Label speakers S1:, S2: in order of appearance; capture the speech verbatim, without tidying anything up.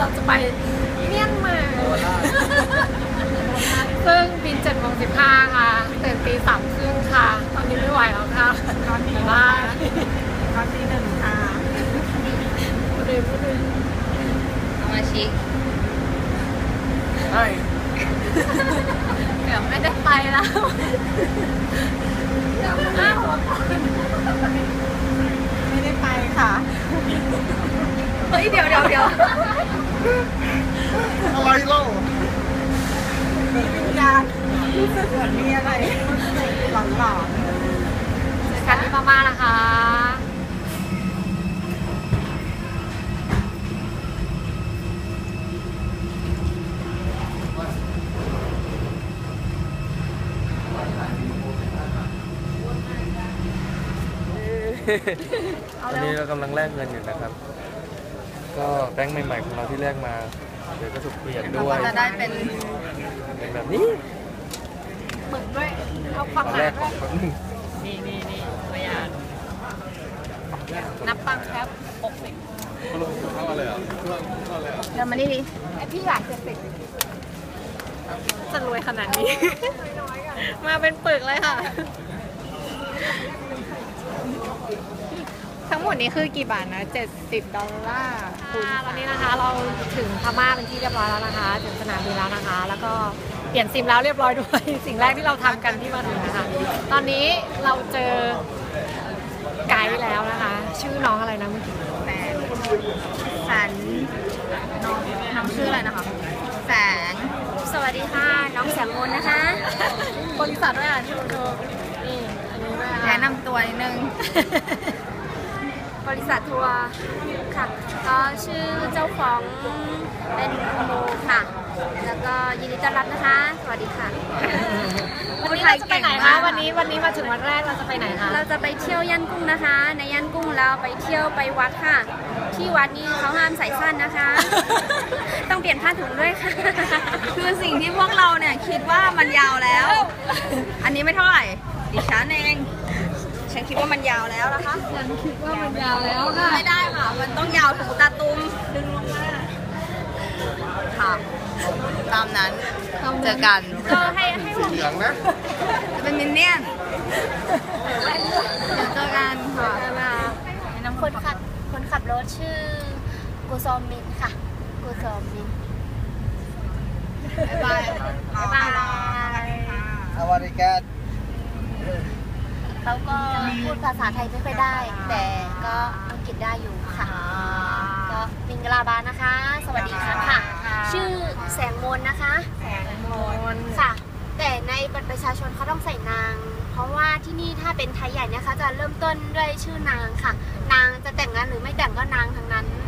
S1: เราจะไปเมียนมาซึ่งบินเจ็ดโมงสิบห้าค่ะตื่นตีสามครึ่งค่ะตอนนี้ไม่ไหวแล้วค่ะตอนนี้ว่าตอนที่หนึ่งค่ะพูดเลยพูดเลย
S2: สมาชิก
S1: ใช่เดี๋ยวไม่ได้ไปแล้วไม่ได้ไปค่ะเฮ้ยเดี๋ยวเดี๋ยวเดี๋ยว
S3: อะไรเล่า
S1: อยากรู้สึกเหมือนมีอะไรหลอนหลอนเจอกันที่พม่านะคะ
S3: ตอนนี้เรากำลังแลกเงินอยู่นะครับก็แบงค์ใหม่ๆของเราที่แลกมาเดี๋ยวก็ถูกเปลี่ยนด้วย
S2: จะได้เป็น
S3: เป็นแบบนี้
S1: เหมือนด้วยเอาความหมายด้วยนี่นี่นี่ตัวอย่างนับตังค์ครับหกสิบ
S3: เท่าเลยอ่ะ
S2: เดี๋ยวมานี่ดิ
S1: ไอพี่หลานเจ็ดสิบจะรวยขนาดนี้มาเป็นปึกเลยค่ะทั้งหมดนี้คือกี่บาทนะเจ็ดสิบดอลลาร์ตอนนี้นะคะเราถึงพม่าเป็นที่เรียบร้อยแล้วนะคะถึงสนามบินแล้วนะคะแล้วก็เปลี่ยนซิมแล้วเรียบร้อยด้วยสิ่งแรกที่เราทำกันที่มาถึงนะคะตอนนี้เราเจอไกด์แล้วนะคะชื่อน้องอะไรนะเมื่อกี้
S2: แสงแสงน้องน้องชื่ออะไรนะคะแสงสวัสดีค่ะน้องแสงมนนะคะ
S1: บริษัทด้วยอ่ะที่เราโชว์นี่อันนี้ด้วย
S2: แนะนำตัวนิดนึงบริษัททัวร์ค่ะก็ชื่อเจ้าของเป็นโมค่ะแล้วก็ยินดีต้อนรับนะคะสวัสดีค่ะ
S1: วันนี้เราจะไปไหนคะวันนี้วันนี้มาถึงวันแรกเราจะไปไหนคะ
S2: เราจะไปเที่ยวย่านกุ้งนะคะในย่านกุ้งเราไปเที่ยวไปวัดค่ะที่วัดนี้เขาห้ามใส่สั้นนะคะต้องเปลี่ยนผ้าถุงด้วยค่ะคือสิ่งที่พวกเราเนี่ยคิดว่ามันยาวแล้วอันนี้ไม่เท่าไหร่ดิฉันเองฉันคิดว่ามันยาวแล้วนะคะ
S1: ฉันคิดว่ามันยาวแล้วค่ะ
S2: ไม่ได้ค่ะมันต้องยาวถึงตาตุ้มดึงลงมาค่ะตามนั้นเจอกันก็ให้ให้ผม
S3: เหลืองนะ
S2: เป็นมินเนี่ยนเดี๋ยวเจอกันค่ะน้ำคนขับคนขับรถชื่อกูซอมมินค่ะกูซอมมินบ๊ายบายบ๊ายบาย
S3: สวัสดีครับ
S2: เขาก็พูดภาษาไทยไม่ค่อยได้แต่ก็อังกฤษได้อยู่ค่ะก็มิงกลาบานะคะสวัสดีค่ะค่ะชื่อแสงมนนะคะ
S1: แสงมน
S2: ค่ะแต่ในบัตรประชาชนเขาต้องใส่นางเพราะว่าที่นี่ถ้าเป็นไทยใหญ่เนี่ยเขาจะเริ่มต้นด้วยชื่อนางค่ะนางจะแต่งงานหรือไม่แต่งก็นางทั้งนั้น